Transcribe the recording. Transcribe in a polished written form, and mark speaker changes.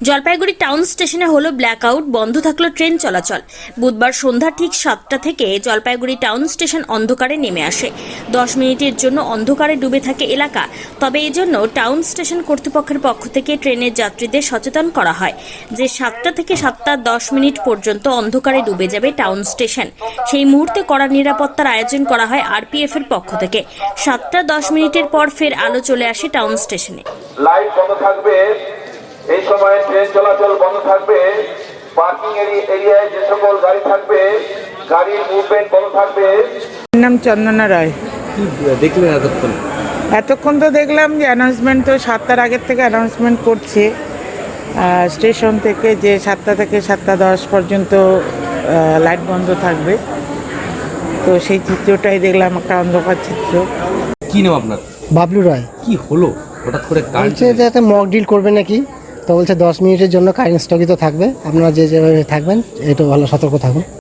Speaker 1: Jalpaiguri town স্টেশনে হলো blackout, বন্ধ থাকলো ট্রেন চলাচল। বুধবার সন্ধ্যা ঠিক 7টা থেকে জলপাইগুড়ি টাউন স্টেশন অন্ধকারে নেমে আসে। 10 মিনিটের জন্য অন্ধকারে ডুবে থাকে এলাকা। তবে এজন্য টাউন স্টেশন কর্তৃপক্ষের পক্ষ থেকে ট্রেনের যাত্রীদের সচেতন করা হয় যে 7টা থেকে 7:10 পর্যন্ত অন্ধকারে ডুবে যাবে টাউন স্টেশন। সেই মুহূর্তে কড়া নিরাপত্তার আয়োজন করা হয় আরপিএফ এর পক্ষ থেকে। 7:10 পর ফের আলো চলে আসে টাউন স্টেশনে।
Speaker 2: লাইট বন্ধ থাকবে, এই সময় ট্রেন চলাচল বন্ধ থাকবে। পার্কিং এরিয়ায় যে সকল গাড়ি থাকবে গাড়ির মুভমেন্ট বন্ধ থাকবে।
Speaker 3: নাম চন্দনা রায়।
Speaker 4: কি দেখলেন এতক্ষণ?
Speaker 3: এতক্ষণ তো দেখলাম যে অ্যানাউন্সমেন্ট তো 7টার আগের থেকে অ্যানাউন্সমেন্ট করছে স্টেশন থেকে যে 7টা থেকে 7:10 পর্যন্ত লাইট বন্ধ থাকবে। তো সেই চিত্রটাই দেখলাম, একটা অন্ধকার চিত্র।
Speaker 4: কি নাম আপনার?
Speaker 5: বাবলু রায়।
Speaker 4: কি হলো হঠাৎ করে?
Speaker 5: বলছে যে একটা মক ডিল করবে নাকি, তো বলছে 10 মিনিটের জন্য কারেন্ট স্থগিত থাকবে, আপনারা যে যেভাবে থাকবেন একটু ভালো সতর্ক থাকুন।